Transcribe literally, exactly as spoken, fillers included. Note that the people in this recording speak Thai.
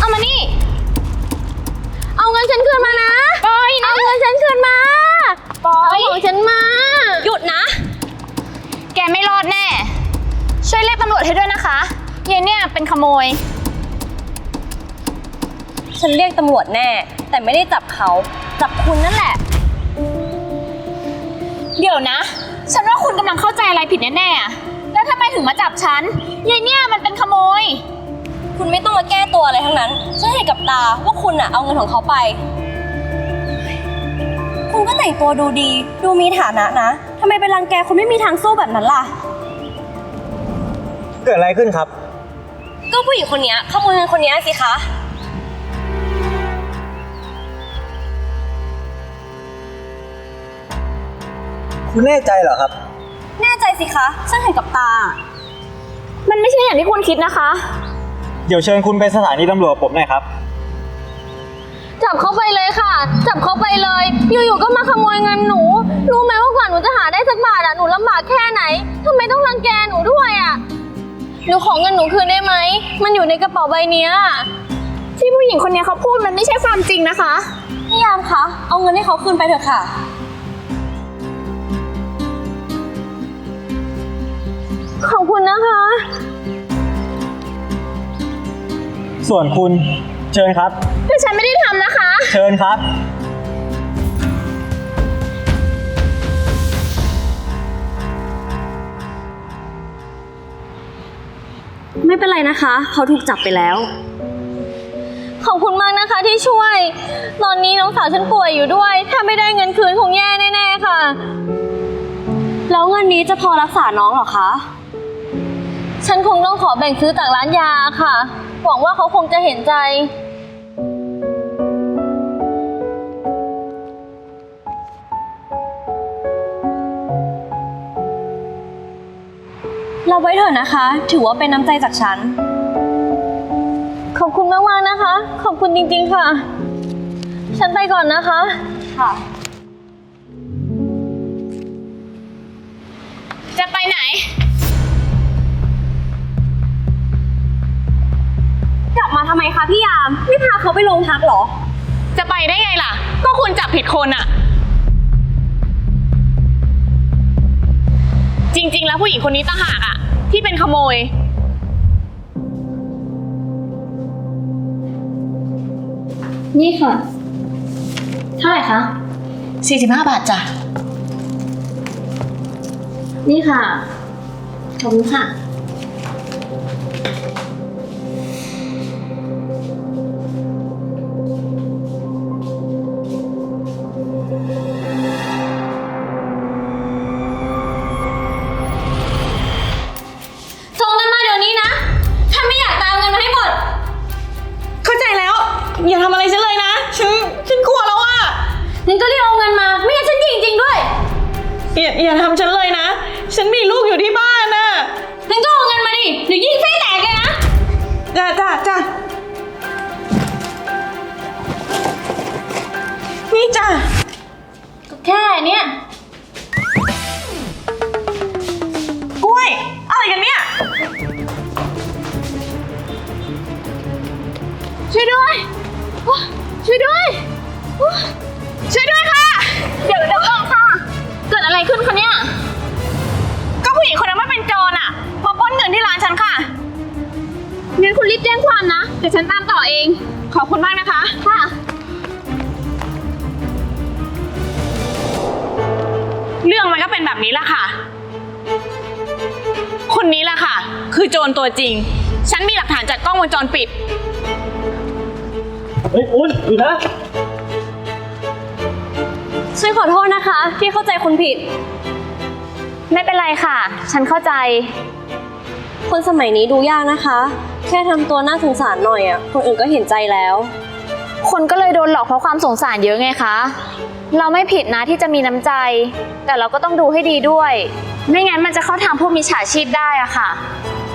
เอามานี่เอาเงินฉันคืนมานะปอยนะเอาเงินฉันคืนมาปอยเอาของฉันมาหยุดนะแกไม่รอดแน่ช่วยเรียกตำรวจให้ด้วยนะคะเยเนี่ยเป็นขโมยฉันเรียกตำรวจแน่แต่ไม่ได้จับเขาจับคุณนั่นแหละเดี๋ยวนะฉันว่าคุณกำลังเข้าใจอะไรผิดแน่ๆแล้วทำไมถึงมาจับฉันเยเนี่ยมันเป็นขโมยคุณไม่ต้องมาแก้ตัวอะไรทั้งนั้นฉันเห็นกับตาว่าคุณน่ะเอาเงินของเขาไปคุณก็แต่งตัวดูดีดูมีฐานะนะทำไมไปรังแกคนไม่มีทางสู้แบบนั้นล่ะเกิดอะไรขึ้นครับก็ผู้หญิงคนนี้ขโมยเงินคนนี้สิคะคุณแน่ใจเหรอครับแน่ใจสิคะฉันเห็นกับตามันไม่ใช่อย่างที่คุณคิดนะคะเดี๋ยวเชิญคุณไปสถานีตำรวจผมหน่อยครับจับเขาไปเลยค่ะจับเขาไปเลยอยู่ๆก็มาขโมยเงินหนูรู้ไหมว่ากว่าหนูจะหาได้สักบาทอ่ะหนูลำบากแค่ไหนทำไมต้องรังแกหนูด้วยอ่ะหนูขอเงินหนูคืนได้ไหมมันอยู่ในกระเป๋าใบนี้ที่ผู้หญิงคนนี้เขาพูดมันไม่ใช่ความจริงนะคะพี่ยามคะเอาเงินให้เขาคืนไปเถอะค่ะขอบคุณนะคะส่วนคุณเชิญครับแต่ฉันไม่ได้ทำนะคะเชิญครับไม่เป็นไรนะคะเขาถูกจับไปแล้วขอบคุณมากนะคะที่ช่วยตอนนี้น้องสาวฉันป่วยอยู่ด้วยถ้าไม่ได้เงินคืนคงแย่แน่ๆค่ะแล้วเงินนี้จะพอรักษาน้องหรอคะฉันคงต้องขอแบ่งซื้อจากร้านยาค่ะหวังว่าเขาคงจะเห็นใจรับไว้เถอะนะคะถือว่าเป็นน้ำใจจากฉันขอบคุณมากๆนะคะขอบคุณจริงๆค่ะฉันไปก่อนนะคะค่ะจะไปไหนกลับมาทำไมคะพี่ยามไม่พาเขาไปโรงพักหรอจะไปได้ไงล่ะก็คุณจับผิดคนอะจริงๆแล้วผู้หญิงคนนี้ต่างหากอะที่เป็นขโมยนี่ค่ะเท่าไหร่คะสี่สิบห้าบาทจ้ะนี่ค่ะขอบคุณค่ะส่งเงินมาเดี๋ยวนี้นะถ้าไม่อยากตามเงินมาให้หมดเข้าใจแล้วอย่าทำอะไรฉันเลยนะฉันฉันกลัวแล้วอะงั้นก็รีบเอาเงินมาไม่งั้นฉันยิงจริงด้วยอย่าอย่าทำฉันเลยนะฉันมีลูกอยู่ที่บ้านน่ะงั้นก็เอาเงินมาดิเดี๋ยวยิงไส้แตกเลยนะจ้าจ้าจ้านี่จ้าก็แค่เนี้ยกล้วยอะไรกันเนี่ยช่วยด้วยช่วยด้วยช่วยด้วยค่ะเดี๋ยวเดี๋ยวก่อนค่ะเกิดอะไรขึ้นคะเนี่ยก็ผู้หญิงคนนั้นไม่เป็นโจรอ่ะมาปล้นเงินที่ร้านฉันค่ะงั้นคุณรีบแจ้งความนะเดี๋ยวฉันตามต่อเองขอบคุณมากนะคะค่ะเรื่องมันก็เป็นแบบนี้แหละค่ะคนนี้แหละค่ะคือโจรตัวจริงฉันมีหลักฐานจากกล้องวงจรปิดเฮ้ยคุณอยู่นะฉันขอโทษนะคะที่เข้าใจคุณผิดไม่เป็นไรค่ะฉันเข้าใจคนสมัยนี้ดูยากนะคะแค่ทำตัวน่าสงสารหน่อยอ่ะคนอื่นก็เห็นใจแล้วคนก็เลยโดนหลอกเพราะความสงสารเยอะไงคะเราไม่ผิดนะที่จะมีน้ำใจแต่เราก็ต้องดูให้ดีด้วยไม่งั้นมันจะเข้าทางพวกมิจฉาชีพได้อะค่ะ